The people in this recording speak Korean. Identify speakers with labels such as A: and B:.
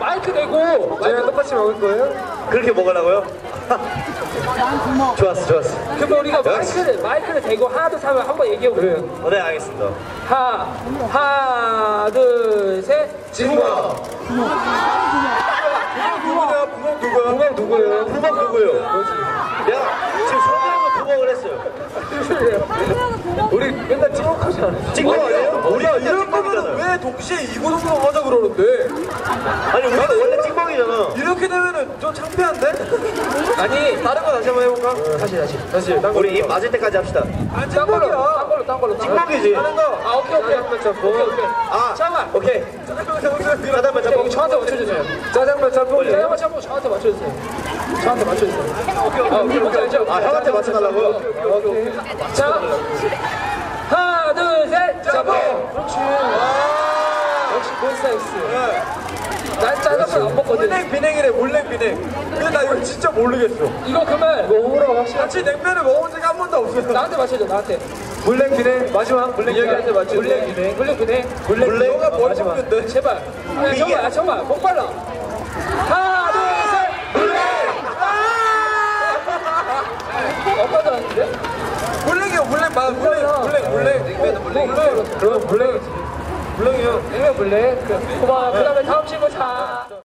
A: 마이크 대고
B: 저희랑 똑같이 먹을 거예요?
C: 그렇게 먹으려고요? 좋았어, 좋았어.
A: 그러면 우리가 마이크를 대고 하나 둘 하면 한번 얘기해 볼게요.
C: 네, 알겠습니다.
A: 하나 둘 셋.
B: 진구야. 누구야? 부먹 누구예요?
C: 부먹 누구예요? 내가 지금 성대모사 부먹을 했어요.
B: 우리 맨날 찍먹하지 않았어?
C: 찍먹 아니에요?
B: 우리가 이럴 거면 왜 동시에 이고동성 하자 그러는데?
C: 아니, 우리가 원래 찍먹이잖아.
B: 이렇게 되면은 좀 창피한데? 아니 다른 거 다시 한번 해볼까? 다시
C: 우리 입 맞을 때까지 합시다.
A: 딴 걸로.
C: 찍먹이지.
B: 다른 거.
A: 아 오케이. 오케이.
C: 아,
A: 잠깐만.
C: 오케이. 짜장면
A: 여기
C: 짬뽕.
A: 저한테 맞춰주세요.
B: 짜장면 짬뽕.
A: 짜장면 짬뽕 저한테 맞춰주세요. 오케이.
C: 아, 형한테 맞춰달라고요?
A: 오케이. 자, 하나, 둘, 셋, 짬뽕. 그렇지. 역시 몬스타엑스. 난 짜장면 안 먹거든.
B: 물냉 비냉이래 물냉 비냉. 근데 나 이거 진짜 모르겠어.
A: 이거 그러면 호불호 확실히.
B: 같이 냉면을 먹어본 적이 한 번도 없어요.
A: 나한테 맞춰줘, 나한테.
B: 물냉 비냉 마지막 물냉이한테 맞춰.
A: 물냉 비냉.
B: 물냉. 너가 뭘
A: 마지막.
B: 먹는데?
A: 제발. 정말. 목 빨라. 하나, 둘, 셋.
B: 물냉.
A: 엄마도 하는데?
B: 물냉이요 물냉 맞아 물냉. 냉면은 물냉.
A: 그럼 물냉이지.
B: 물냉이요.
A: 냉면 물냉. 고마워. 그 다음에 다음 친구 자.